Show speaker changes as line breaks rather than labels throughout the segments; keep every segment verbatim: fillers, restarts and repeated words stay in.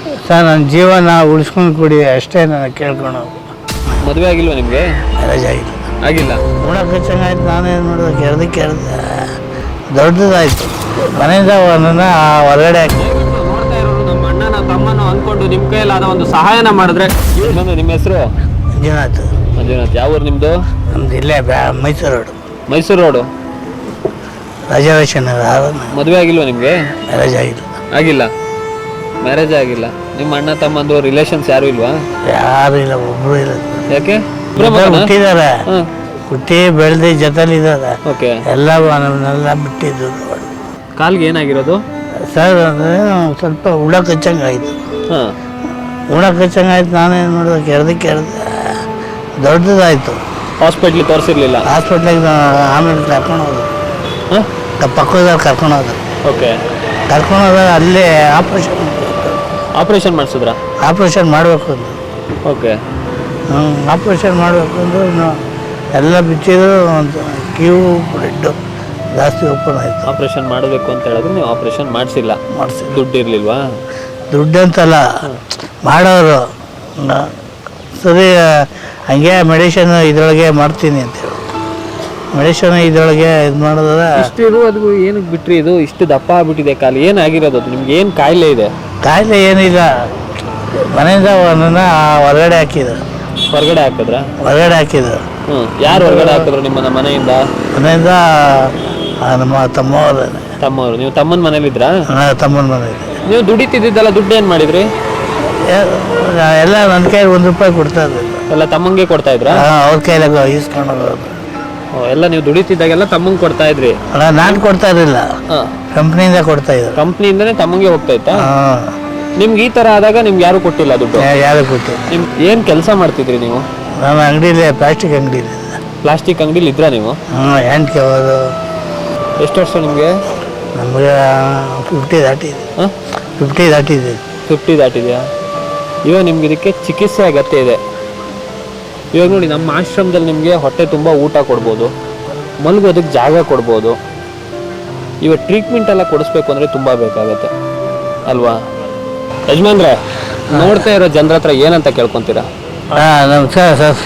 Sir ನನ್ನ ಜೀವನ ಉಳಿಸ್ಕೊಂಡು ಕೊಡಿ ಅಷ್ಟೇ ನಾನು ಕೇಳ್ಕೊಳೋದು.
ಮದುವೆ ಆಗಿಲ್ವಾ ನಿಮಗೆ?
ರಜೆ ಆಗಿಲ್ಲ
ಆಗಿಲ್ಲ.
ನೋಡೋಕೆ ಚೆನ್ನಾಗಾಯ್ತು. ನಾನೇನು ಮಾಡೋದು, ಕೆರೆದು ಕೆರೆದ ದೊಡ್ಡದಾಯ್ತು. ಮನೆಯಿಂದ ಒಂದನ್ನ ಹೊರಗಡೆ ಹಾಕಿ
ನೋಡ್ತಾ ಇರೋರು ನಮ್ಮ ಅಣ್ಣನ ತಮ್ಮನ ಅಂದ್ಕೊಂಡು ನಿಮ್ಮ ಕೈಯಲ್ಲಾದ ಒಂದು ಸಹಾಯನ ಮಾಡಿದ್ರೆ. ಇನ್ನೊಂದು ನಿಮ್ಮ ಹೆಸರು?
ಮಂಜುನಾಥ್.
ಮಂಜುನಾಥ್. ಯಾವ ಊರು ನಿಮ್ಮದು?
ನಮ್ದು ಇಲ್ಲೇ ಬ್ಯಾ Mysore road.
Mysore road.
Reservation.
ಮದುವೆ ಆಗಿಲ್ವಾ ನಿಮಗೆ?
ರಜೆ ಆಗಿಲ್ಲ.
ಆಗಿಲ್ಲ. ಮ್ಯಾರೇಜ್ ಆಗಿಲ್ಲ. ನಿಮ್ಮ ಅಣ್ಣ ತಮ್ಮಂದು ರಿಲೇಷನ್ಸ್ ಯಾರು ಇಲ್ವಾ?
ಯಾರು ಇಲ್ಲ, ಒಬ್ರು ಇಲ್ಲ.
ಯಾಕೆ?
ಹುಟ್ಟಿದ್ದಾರೆ, ಹುಟ್ಟಿ ಬೆಳೆದು ಜೊತೆಲಿದ್ದಾರೆ.
ಓಕೆ.
ಎಲ್ಲ ನಮ್ಮನ್ನೆಲ್ಲ ಬಿಟ್ಟಿದ್ದು.
ಕಾಲ್ಗೆ ಏನಾಗಿರೋದು
ಸರ್? ಅಂದರೆ ಸ್ವಲ್ಪ ಹುಳ ಕಚ್ಚಂಗಾಯ್ತು.
ಹಾಂ.
ಹುಳ ಕಚ್ಚಂಗಾಯ್ತು. ನಾನೇನು ಮಾಡೋದು, ಕೆರೆದು ಕೆರೆದ ದೊಡ್ಡದಾಯ್ತು.
ಹಾಸ್ಪಿಟ್ಲಿಗೆ ತೋರಿಸಿರ್ಲಿಲ್ಲ?
ಹಾಸ್ಪಿಟ್ಲಿಗೆ ಆಮೇಲೆ ಕರ್ಕೊಂಡು ಹೋದ್ರು.
ಹಾಂ.
ಪಕ್ಕದಲ್ಲಿ ಕರ್ಕೊಂಡು ಹೋದ್ರು.
ಓಕೆ.
ಕರ್ಕೊಂಡು ಹೋದಾಗ ಅಲ್ಲೇ ಆಪ್ರೇಷನ್
ಆಪ್ರೇಷನ್ ಮಾಡಿಸಿದ್ರಾ?
ಆಪ್ರೇಷನ್ ಮಾಡಬೇಕು ಅಂದರು.
ಓಕೆ.
ಹ್ಞೂ ಆಪ್ರೇಷನ್ ಮಾಡಬೇಕು ಅಂದರು. ಎಲ್ಲ ಬಿಚ್ಚಿದ್ರು. ಒಂದು ಕ್ಯೂ ಬ್ಲಡ್ಡು ಜಾಸ್ತಿ ಓಪನ್ ಆಯಿತು.
ಆಪ್ರೇಷನ್ ಮಾಡಬೇಕು ಅಂತ ಹೇಳಿದ್ರೆ ನೀವು ಆಪ್ರೇಷನ್ ಮಾಡಿಸಿಲ್ಲ?
ಮಾಡಿಸಿ.
ದುಡ್ಡು ಇರಲಿಲ್ವಾ?
ದುಡ್ಡು ಅಂತಲ್ಲ, ಮಾಡೋರು ಸರಿ ಹಂಗೆ ಮೆಡಿಷನ್ ಇದರೊಳಗೆ ಮಾಡ್ತೀನಿ ಅಂತೇಳಿ ಮೆಡಿಷನ್ ಇದರೊಳಗೆ ಇದು ಮಾಡಿದ್ರೆ
ಇಷ್ಟು ಇದು ಅದು ಏನಕ್ಕೆ ಬಿಟ್ರಿ? ಇದು ಇಷ್ಟು ದಪ್ಪ ಆಗ್ಬಿಟ್ಟಿದೆ ಕಾಲು. ಏನಾಗಿರೋದು ಅದು ನಿಮ್ಗೆ? ಏನು ಕಾಯಿಲೆ ಇದೆ?
ಕಾಯಿಲೆ ಏನಿಲ್ಲ. ಮನೆಯಿಂದ ಒಂದನ್ನ ಹೊರಗಡೆ ಹಾಕಿದ್ರು.
ಹೊರಗಡೆ ಹಾಕಿದ್ರಾ?
ಹೊರಗಡೆ ಹಾಕಿದ್ರು.
ಹ್ಞೂ. ಯಾರು ಹೊರಗಡೆ ಹಾಕಿದ್ರು ನಿಮ್ಮನ್ನ ಮನೆಯಿಂದ?
ಮನೆಯಿಂದ ನಮ್ಮ ತಮ್ಮವ್ರ
ತಮ್ಮವರು. ನೀವು ತಮ್ಮನ ಮನೇಲಿದ್ರಾ?
ತಮ್ಮನ ಮನೇಲಿ.
ನೀವು ದುಡಿತಿದ್ದಲ್ಲ, ದುಡ್ಡು ಏನು ಮಾಡಿದ್ರಿ?
ಎಲ್ಲ ನನ್ನ ಕೈಲಿ ಒಂದು ರೂಪಾಯಿ ಕೊಡ್ತಾ ಇದ್ದಿಲ್ಲ.
ಎಲ್ಲ ತಮ್ಮಂಗೆ ಕೊಡ್ತಾ ಇದ್ರಾ?
ಅವ್ರ ಕೈಲಾಗ ಈಸ್ಕೊಂಡು ಹೋಗೋದು.
ಎಲ್ಲ ನೀವು ದುಡಿತಿದ್ದಾಗೆಲ್ಲ ತಮ್ಮಂಗೆ ಕೊಡ್ತಾ ಇದ್ರಿ?
ಅಲ್ಲ, ನಾನು ಕೊಡ್ತಾ ಇರಲಿಲ್ಲ, ಕಂಪ್ನಿಯಿಂದ ಕೊಡ್ತಾ ಇದ್ರು.
ಕಂಪ್ನಿಯಿಂದನೇ ತಮ್ಮಂಗೆ ಹೋಗ್ತಾ ಇತ್ತಾ?
ಹಾಂ.
ನಿಮ್ಗೆ ಈ ಥರ ಆದಾಗ ನಿಮ್ಗೆ ಯಾರು ಕೊಟ್ಟಿಲ್ಲ ದುಡ್ಡು?
ಯಾರು ಕೊಟ್ಟು.
ನಿಮ್ ಏನು ಕೆಲಸ ಮಾಡ್ತಿದ್ರಿ ನೀವು?
ನಮ್ಮ ಅಂಗಡಿಲಿ ಪ್ಲಾಸ್ಟಿಕ್ ಅಂಗಡಿ.
ಪ್ಲಾಸ್ಟಿಕ್ ಅಂಗಡಿಲಿ ಇದ್ರಾ ನೀವು?
ಹಾಂ. ಎಂಟು ಹೋದು.
ಎಷ್ಟು ವರ್ಷ ನಿಮಗೆ?
ನಮಗೆ ಫಿಫ್ಟಿ ದಾಟಿದೆ.
ಹಾಂ.
ಫಿಫ್ಟಿ ದಾಟಿದೆ.
ಫಿಫ್ಟಿ ದಾಟಿದೆಯಾ? ಇವಾಗ ನಿಮ್ಗೆ ಇದಕ್ಕೆ ಚಿಕಿತ್ಸೆ ಅಗತ್ಯ ಇದೆ. ಇವಾಗ ನೋಡಿ, ನಮ್ಮ ಆಶ್ರಮದಲ್ಲಿ ನಿಮಗೆ ಹೊಟ್ಟೆ ತುಂಬ ಊಟ ಕೊಡ್ಬೋದು, ಮಲಗೋದಕ್ಕೆ ಜಾಗ ಕೊಡ್ಬೋದು. ಇವಾಗ ಟ್ರೀಟ್ಮೆಂಟ್ ಎಲ್ಲ ಕೊಡಿಸ್ಬೇಕು ಅಂದರೆ ತುಂಬ ಬೇಕಾಗತ್ತೆ ಅಲ್ವಾ? ಯಜಮಾನ್ರೆ, ನೋಡ್ತಾ ಇರೋ ಜನರ ಹತ್ರ ಏನಂತ ಕೇಳ್ಕೊತೀರಾ?
ಹಾಂ, ನಮಸ್ಕಾರ ಸರ್.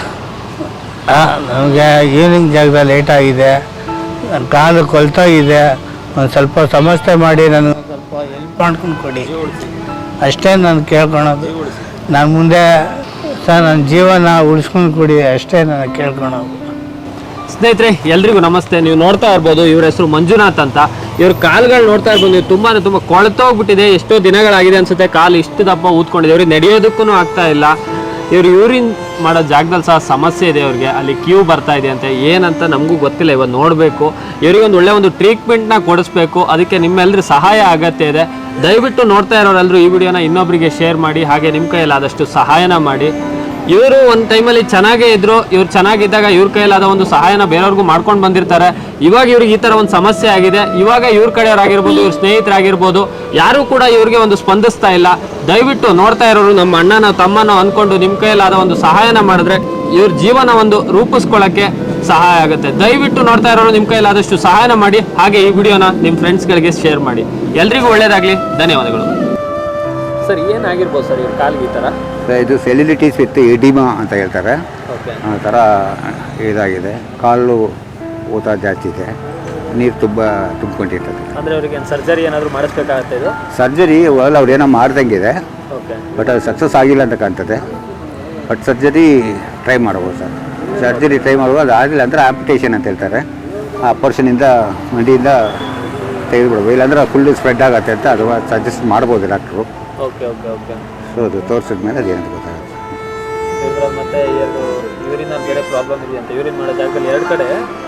ಹಾಂ, ನಮಗೆ ಈವ್ನಿಂಗ್ ಜಾಗದಲ್ಲಿ ಲೇಟ್ ಆಗಿದೆ. ನನ್ನ ಕಾಲು ಕೊಳ್ತೋಗಿದೆ. ಒಂದು ಸ್ವಲ್ಪ ಸಮಸ್ಯೆ ಮಾಡಿ ನನಗೆ ಸ್ವಲ್ಪ ಹೆಲ್ಪ್ ಮಾಡ್ಕೊಂಡು ಕೊಡಿ ಅಷ್ಟೇ ನಾನು ಕೇಳ್ಕೊಳೋದು. ನಾನು ಮುಂದೆ ಸರ್ ನನ್ನ ಜೀವನ ಉಳಿಸ್ಕೊಂಡು ಕೊಡಿ ಅಷ್ಟೇ ನಾನು ಕೇಳ್ಕೊಳೋದು.
ಸ್ನೇಹಿತರೆ, ಎಲ್ರಿಗೂ ನಮಸ್ತೆ. ನೀವು ನೋಡ್ತಾ ಇರ್ಬೋದು, ಇವ್ರ ಹೆಸರು ಮಂಜುನಾಥ್ ಅಂತ. ಇವ್ರ ಕಾಲುಗಳು ನೋಡ್ತಾ ಇರ್ಬೋದು, ನೀವು ತುಂಬಾ ತುಂಬ ಕೊಳ್ತೋಗ್ಬಿಟ್ಟಿದೆ. ಎಷ್ಟೋ ದಿನಗಳಾಗಿದೆ ಅನ್ಸುತ್ತೆ. ಕಾಲು ಇಷ್ಟು ದಪ್ಪ ಊದ್ಕೊಂಡಿದೆ. ಇವ್ರಿಗೆ ನಡೆಯೋದಕ್ಕೂ ಆಗ್ತಾ ಇಲ್ಲ. ಇವ್ರು ಯೂರಿನ್ ಮಾಡೋ ಜಾಗದಲ್ಲಿ ಸಹ ಸಮಸ್ಯೆ ಇದೆ. ಅವ್ರಿಗೆ ಅಲ್ಲಿ ಕ್ಯೂ ಬರ್ತಾ ಇದೆ ಅಂತೆ. ಏನಂತ ನಮಗೂ ಗೊತ್ತಿಲ್ಲ. ಇವಾಗ ನೋಡಬೇಕು. ಇವ್ರಿಗೆ ಒಂದು ಒಳ್ಳೆ ಒಂದು ಟ್ರೀಟ್ಮೆಂಟ್ನ ಕೊಡಿಸ್ಬೇಕು. ಅದಕ್ಕೆ ನಿಮ್ಮೆಲ್ಲರ ಸಹಾಯ ಅಗತ್ಯ ಇದೆ. ದಯವಿಟ್ಟು ನೋಡ್ತಾ ಇರೋರೆಲ್ಲರೂ ಈ ವಿಡಿಯೋನ ಇನ್ನೊಬ್ಬರಿಗೆ ಶೇರ್ ಮಾಡಿ, ಹಾಗೆ ನಿಮ್ಮ ಕೈಯಲ್ಲಾದಷ್ಟು ಸಹಾಯನ ಮಾಡಿ. ಇವರು ಒಂದು ಟೈಮಲ್ಲಿ ಚೆನ್ನಾಗೇ ಇದ್ರು. ಇವ್ರು ಚೆನ್ನಾಗಿದ್ದಾಗ ಇವ್ರ ಕೈಯಲ್ಲಾದ ಒಂದು ಸಹಾಯನ ಬೇರೆಯವ್ರಿಗೂ ಮಾಡ್ಕೊಂಡು ಬಂದಿರ್ತಾರೆ. ಇವಾಗ ಇವ್ರಿಗೆ ಈ ಥರ ಒಂದು ಸಮಸ್ಯೆ ಆಗಿದೆ. ಇವಾಗ ಇವ್ರ ಕಡೆಯವರಾಗಿರ್ಬೋದು, ಇವ್ರ ಸ್ನೇಹಿತರಾಗಿರ್ಬೋದು, ಯಾರೂ ಕೂಡ ಇವ್ರಿಗೆ ಒಂದು ಸ್ಪಂದಿಸ್ತಾ ಇಲ್ಲ. ದಯವಿಟ್ಟು ನೋಡ್ತಾ ಇರೋರು ನಮ್ಮ ಅಣ್ಣನ ತಮ್ಮನೋ ಅಂದ್ಕೊಂಡು ನಿಮ್ಮ ಕೈಯಲ್ಲಾದ ಒಂದು ಸಹಾಯನ ಮಾಡಿದ್ರೆ ಇವ್ರ ಜೀವನ ಒಂದು ರೂಪಿಸ್ಕೊಳ್ಳೋಕ್ಕೆ ಸಹಾಯ ಆಗುತ್ತೆ. ದಯವಿಟ್ಟು ನೋಡ್ತಾ ಇರೋರು ನಿಮ್ಮ ಕೈಯಲ್ಲಾದಷ್ಟು ಸಹಾಯನ ಮಾಡಿ, ಹಾಗೆ ಈ ವಿಡಿಯೋನ ನಿಮ್ಮ ಫ್ರೆಂಡ್ಸ್ಗಳಿಗೆ ಶೇರ್ ಮಾಡಿ. ಎಲ್ರಿಗೂ ಒಳ್ಳೇದಾಗಲಿ. ಧನ್ಯವಾದಗಳು. ಸರ್, ಏನಾಗಿರ್ಬೋದು ಸರ್ ಇವ್ರ ಕಾಲಿಗೆ ಈ ಥರ?
ಸರ್, ಇದು ಸೆಲ್ಯುಲಿಟಿಸ್ ವಿತ್ ಎಡಿಮಾ ಅಂತ ಹೇಳ್ತಾರೆ. ಆ ಥರ ಇದಾಗಿದೆ. ಕಾಲು ಊತ ಜಾಸ್ತಿ ಇದೆ, ನೀರು ತುಂಬ ತುಂಬಿಕೊಂಡಿರ್ತದೆ.
ಅಂದರೆ ಅವರಿಗೆ ಸರ್ಜರಿ ಏನಾದರೂ ಮಾಡಿಸ್ಬೇಕಾಗತ್ತೆ? ಇದು
ಸರ್ಜರಿ ಒಳ್ಳೆ ಅವ್ರು ಏನೋ ಮಾಡ್ದಂಗಿದೆ.
ಓಕೆ.
ಬಟ್ ಅದು ಸಕ್ಸಸ್ ಆಗಿಲ್ಲ ಅಂತ ಕಾಣ್ತದೆ. ಬಟ್ ಸರ್ಜರಿ ಟ್ರೈ ಮಾಡ್ಬೋದು ಸರ್. ಸರ್ಜರಿ ಟ್ರೈ ಮಾಡ್ಬೋದು. ಅದು ಆಗಲಿಲ್ಲ ಅಂದರೆ ಆಂಪಿಟೇಷನ್ ಅಂತ ಹೇಳ್ತಾರೆ. ಆ ಪರ್ಸನಿಂದ ಮಂಡಿಯಿಂದ ತೆಗೆದುಬಿಡ್ಬೋದು. ಇಲ್ಲಾಂದ್ರೆ ಫುಲ್ ಸ್ಪ್ರೆಡ್ ಆಗುತ್ತೆ ಅಂತ ಅದು ಸಜೆಸ್ಟ್ ಮಾಡ್ಬೋದು doctor.
Okay okay okay
so ಅದು ತೋರಿಸಿದ ಮೇಲೆ ಅದೇನಂತ ಗೊತ್ತಾಗುತ್ತೆ.
ಇದ್ರಲ್ಲಿ ಮತ್ತೆ ಎರಡು ಯೂರಿನ್ ಬೇರೆ ಪ್ರಾಬ್ಲಮ್ ಇದೆಯಂತೆ. ಯೂರಿನ್ ಮಾಡೋ ಜಾಗದಲ್ಲಿ ಎರಡು ಕಡೆ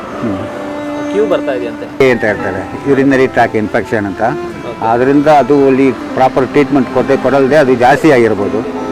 ಕ್ಯೂ ಬರ್ತಾ ಇದೆಯಂತೆ
ಅಂತ ಹೇಳ್ತಾರೆ. ಯೂರಿನರಿ ಟ್ರ್ಯಾಕ್ ಇನ್ಫೆಕ್ಷನ್ ಅಂತ. ಅದರಿಂದ ಅದು ಅಲ್ಲಿ ಪ್ರಾಪರ್ ಟ್ರೀಟ್ಮೆಂಟ್ ಕೊಟ್ಟೆ ಕೊಡಲ್ದೆ ಅದು ಜಾಸ್ತಿ ಆಗಿರ್ಬೋದು.